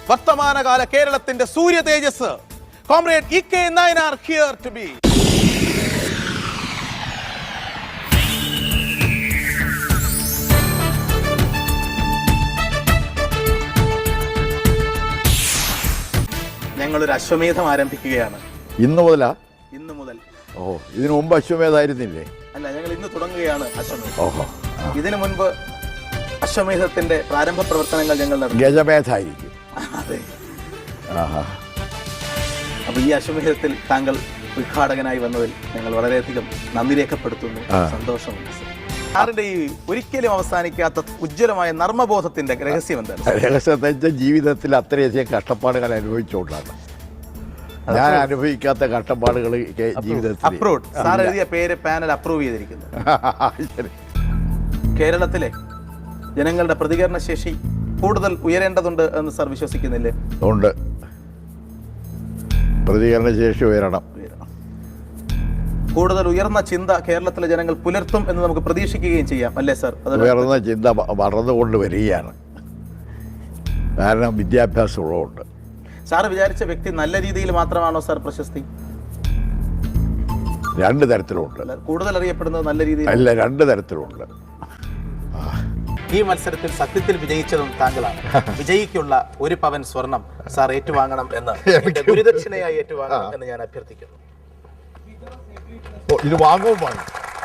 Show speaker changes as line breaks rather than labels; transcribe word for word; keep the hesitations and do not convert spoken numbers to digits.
വർത്തമാനകാല കേരളത്തിന്റെ സൂര്യ തേജസ് comrade E K Nayanar here to be. ഞങ്ങളൊരു അശ്വമേധം ആരംഭിക്കുകയാണ്.
ഇന്ന് മുതലാ?
ഇന്ന് മുതൽ.
ഓ, ഇതിനു മുമ്പ് അശ്വമേധായിരുന്നില്ലേ?
അല്ല, ഞങ്ങൾ ഇന്ന് തുടങ്ങുകയാണ് അശ്വമേധം.
ഓഹോ.
ഇതിനു മുൻപ് അശ്വമേധത്തിന്റെ പ്രാരംഭ പ്രവർത്തനങ്ങൾ ഞങ്ങൾ നടത്തി.
ഗജമേധായിരിക്കും.
അതെ.
ആഹാ.
അപ്പൊ ഈ അശ്വമേധത്തിൽ താങ്കൾ ഉദ്ഘാടകനായി വന്നതിൽ ഞങ്ങൾ വളരെയധികം നന്ദി രേഖപ്പെടുത്തുന്നു. സന്തോഷമുണ്ട്. സാറിന്റെ ഈ ഒരിക്കലും അവസാനിക്കാത്ത ഉജ്ജ്വലമായ നർമ്മബോധത്തിന്റെ രഹസ്യം എന്താണ്?
രഹസ്യത്തെ ജീവിതത്തിൽ അത്രയധികം കഷ്ടപ്പാടുകൾ അനുഭവിച്ചുകൊണ്ടാണ്. ഞാൻ അനുഭവിക്കാത്ത കഷ്ടപ്പാടുകൾ ജീവിതത്തിൽ.
അപ്രൂവ്ഡ്. സാർ എഴുതിയ പേര് പാനൽ അപ്രൂവ് ചെയ്തിരിക്കുന്നു. കേരളത്തിലെ ജനങ്ങളുടെ പ്രതികരണ ശേഷി കൂടുതൽ ഉയരേണ്ടതുണ്ട് എന്ന് സാർ വിശ്വസിക്കുന്നില്ലേ?
ഉണ്ട്. പ്രതികരണ ശേഷി ഉയരണം.
കൂടുതൽ ഉയർന്ന ചിന്ത കേരളത്തിലെ ജനങ്ങൾ പുലർത്തും എന്ന് നമുക്ക് പ്രതീക്ഷിക്കുകയും ചെയ്യാം, അല്ലേ സാർ?
ഉയർന്ന ചിന്ത വളർന്നുകൊണ്ട് വരികയാണ്. കാരണം വിദ്യാഭ്യാസം ഉള്ളതുകൊണ്ട്.
സാർ വിചാരിച്ച വ്യക്തി നല്ല രീതിയിൽ മാത്രമാണോ സാർ പ്രശസ്തി?
രണ്ട് തരത്തിലുണ്ട്.
കൂടുതൽ അറിയപ്പെടുന്നത് നല്ല രീതിയിൽ
അല്ല, രണ്ട് തരത്തിലുണ്ട്.
ഈ മത്സരത്തിൽ സത്യത്തിൽ വിജയിച്ചതും താങ്കളാണ്. വിജയിക്കുള്ള ഒരു പവൻ സ്വർണം സാർ ഏറ്റുവാങ്ങണം എന്ന്, ഗുരുദക്ഷിണയായി ഏറ്റുവാങ്ങണം എന്ന് ഞാൻ അഭ്യർത്ഥിക്കുന്നു.
ഇത് വാങ്ങും വാങ്ങും